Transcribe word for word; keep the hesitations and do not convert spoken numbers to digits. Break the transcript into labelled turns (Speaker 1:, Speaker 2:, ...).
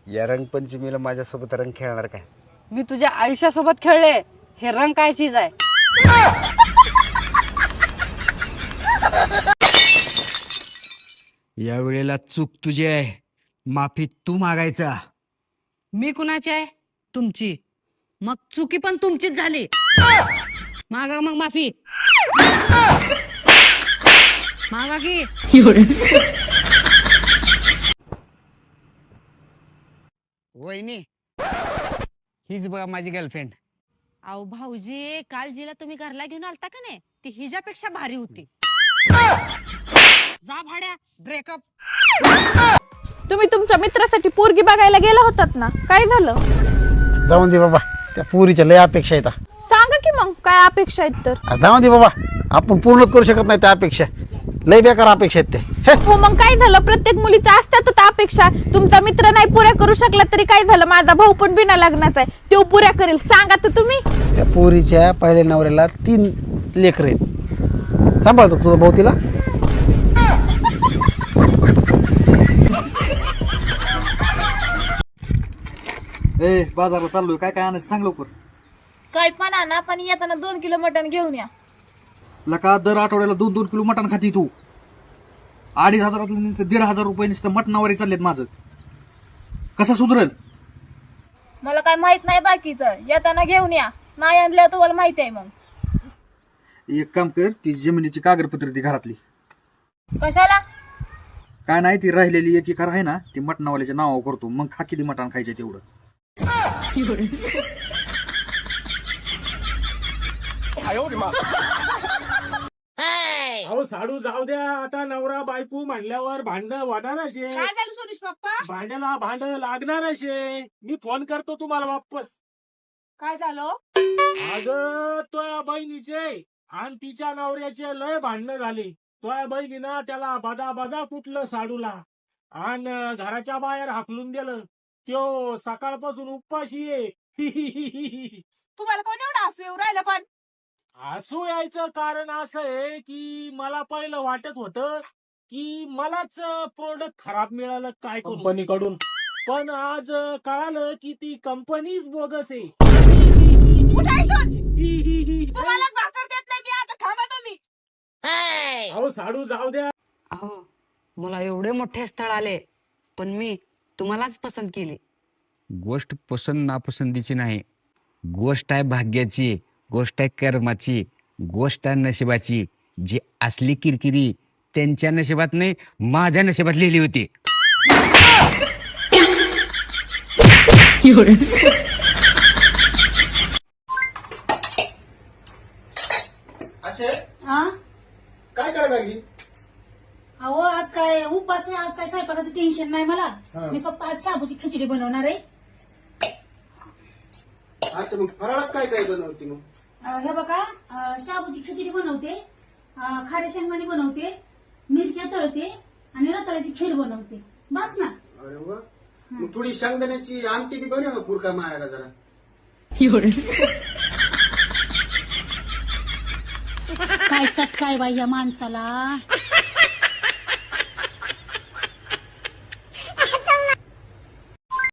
Speaker 1: या रंगपंचमीला माझ्यासोबत रंग खेळणार काय?
Speaker 2: मी तुझ्या आयुष्यासोबत खेळले, हे रंग काय चीज आहे?
Speaker 1: या वेळेला चूक तुझी आहे, माफी तू मागायचा.
Speaker 2: मी कुणाची आहे? तुमची. मग चुकी पण तुमचीच झाली. मागा मग माफी. मागा की.
Speaker 1: वहिनी, हीच बघा माझी गर्लफ्रेंड.
Speaker 2: अहो भाऊजी, काल जिला तुम्ही घरला घेऊन आलता का नाही, ती हिच्यापेक्षा भारी होती. जा भाड्या, ब्रेकअप.
Speaker 3: तुम्ही तुमच्या मित्रासाठी पोरगी बघायला गेला होतात ना, काय झालं?
Speaker 4: जाऊन दे बाबा, त्या पोरीच्या लय अपेक्षा आहेत.
Speaker 3: सांगा की मग काय अपेक्षा आहेत तर.
Speaker 4: जाऊन दे बाबा, आपण पूर्ण करू शकत नाही त्या अपेक्षा. लय बेकार अपेक्षा आहेत ते.
Speaker 3: हो मग काय झालं, प्रत्येक मुलीच्या असतात अपेक्षा. तुमचा मित्र नाही पुऱ्या करू शकला तरी काय झालं, माझा भाऊ पण बिना लग्नाचा आहे, तो पुऱ्या करेल. सांगा तर तुम्ही.
Speaker 4: त्या पोरीच्या पहिल्या नवऱ्याला तीन लेकर आहेत. सांभाळतो तुझा भाऊ तिला.
Speaker 5: ए बाजारला चाललोय, काय काय आणायचं सांग लवकर.
Speaker 3: काय पण आणा, पण येताना दोन किलो मटण घेऊन या.
Speaker 5: लका दर आठवड्याला दोन दोन किलो मटण खाती तू. अडीच हजारातलं दीड हजार रुपये नुसतं मटणावर चाललेत माझं. कसं सुधरेल?
Speaker 3: मला काय माहित नाही बाकीचं, येताना घेऊन या. नाही आणलं तुम्हाला माहिती आहे. मग
Speaker 5: एक काम कर, ती जमिनीची कागदपत्र ती घरातली.
Speaker 3: कशाला?
Speaker 5: काय नाही, ती राहिलेली एक एकर आहे ना, ती मटणावाल्याच्या नावावर करतो. मग खा किती मटण खायचं तेवढं.
Speaker 6: अहो साडू जाऊ द्या, आता नवरा बायको म्हणल्यावर भांडण होणार असे.
Speaker 3: काय झालं सुरेश पप्पा?
Speaker 6: भांड्याला भांड लागणार असे. मी फोन करतो तुम्हाला वापस.
Speaker 3: काय झालं?
Speaker 6: अगं तुझ्या बहिणीचे आणि तिच्या नवऱ्याचे लय भांडणं झाले. तुझ्या बहिणीनं त्याला बदा बदा कुठलं साडूला आणि घराच्या बाहेर हाकलून दिलं. त्यो सकाळपासून उपाशी आहे.
Speaker 3: तुम्हाला कोण एवढं हसू येऊ राहिलं? पण
Speaker 6: हसू यायचं कारण असं आहे की मला पहिलं वाटत होतं की मलाच प्रोडक्ट खराब मिळालं काय कंपनीकडून, पण आज कळालं की ती कंपनीच बोगस आहे.
Speaker 3: तुम्हालाच भाकर देत नाही मी, आता थांबा तुम्ही.
Speaker 6: अहो साडू जाऊ द्या.
Speaker 2: अहो मला एवढे मोठे स्थळ आले, पण मी तुम्हालाच पसंत केली.
Speaker 1: गोष्ट पसंत नापसंतीची नाही, गोष्ट आहे भाग्याची, गोष्ट आहे कर्माची, गोष्ट आहे नशिबाची. जी असली किरकिरी त्यांच्या नशिबात नाही, माझ्या नशिबात लिहिली होती.
Speaker 4: काय करायला लागली?
Speaker 7: अहो आज काय उपास आहे, आज काय स्वयंपाकाचं टेन्शन नाही मला. मी फक्त आज शाबूची खिचडी बनवणार आहे.
Speaker 4: अच्छा, मग फराळात काय काय बनवते मग?
Speaker 7: अं, हे बघा, अं, शाबूची खिचडी बनवते, अं, खाऱ्या शेंगदाणे बनवते, मिरच्या तळते आणि रताळ्याची खीर बनवते. बस ना.
Speaker 4: अरे वा, मग थोडी शेंगदाण्याची आमटी बी बनव पुरका मारायला जरा.
Speaker 7: काय चटकाय बाई या माणसाला.